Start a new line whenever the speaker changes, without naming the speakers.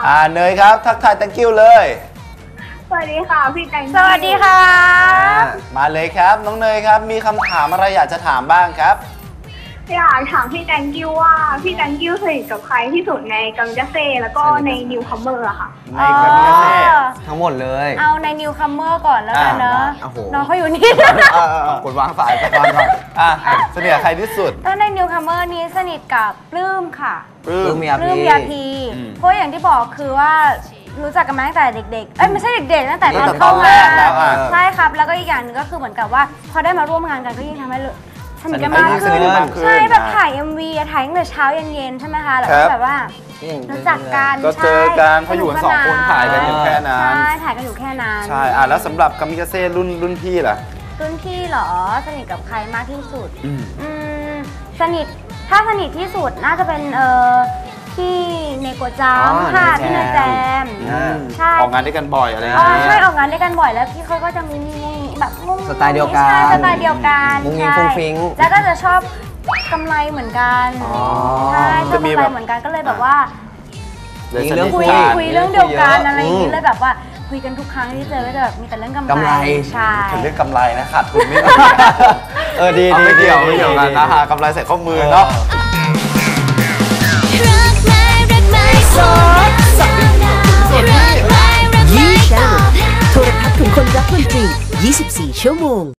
เนยครับทักทาย thank you เลย
สวัสดีค่ะพี่แตง
สวัสดีค่ะ
มาเลยครับน้องเนยครับมีคำถามอะไรอยากจะถามบ้างครับ
อยากถามพี่แตงกิ้วว่าพี่แตงกิ้วสนิทกับใครที่สุดในกัมจัสเซ่แล้วก็ในนิวคัมเมอร์อะค่ะ
ในกัมจัสเซ่
ทั้งหมดเลย
เอาในนิวคัมเมอร์ก่อนแล้วกันเนอะน้องเขาอยู่นี่
กดวางสายไปวางก่อน
สนิทกับใครที่สุด
ถ้าในนิวคัมเมอร์นี้สนิทกับปลื้มค่ะ
ปลื้ม
ยาพีเพราะอย่างที่บอกคือว่ารู้จักกันมาตั้งแต่เด็กๆไม่ใช่เด็กๆตั้งแต่ตอนเข้ามาใช่ครับแล้วก็อีกอย่างนึงก็คือเหมือนกับว่าพอได้มาร่วมงานกันก็ยิ่งทำให้สนิทกันมากขึ้นใช่แบบถ่าย MV ถ่ายตั้งแต่เช้าเย็นๆใช่ไหมคะแล้วก็แบบว่ารู้จักกัน
ก็เจอกันเพราะอยู่กัน2 คนถ่ายกันอยู่แค่นั้น
ใช่ถ่ายกันอยู่แค่นั้น
ใช่แล้วสำหรับกัมมิกาเซ่รุ่นพี่ล่ะ
รุ่นพี่เหรอสนิทกับใครมากที่สุดสนิทถ้าสนิทที่สุดน่าจะเป็นพี่เนโกจามค่ะพี่เนแจม
ใช่ออกงานด้วยกันบ่อยอะไรอย่างเงี้ย
ใช่ออกงานด้วยกันบ่อยแล้วพี่เขาก็จะมีแบบ
สไตล์เดียวกัน
สไตล์เดียวกัน
มุ้งมิ้งฟุ้งฟิ้ง
แล้วก็จะชอบกำไรเหมือนกันใช่ชอบกำไรเหมือนกันก็เลยแบบว่าคุยเรื่องเดียวกันอะไรอย่างนี้เลยแบบว่าคุยกันทุกครั้งที่เจอก็จะแบบมีแต่เรื่องกำไรใช่
เรื่องกำไรนะขาดทุนไม่
ดี
ไม่เกี่ยวกันนะฮะกำไรใส่ข้อมือเนาะ
ยี่ชาโทรทัศน์ของคนรักดนตรี24 ชั่วโมง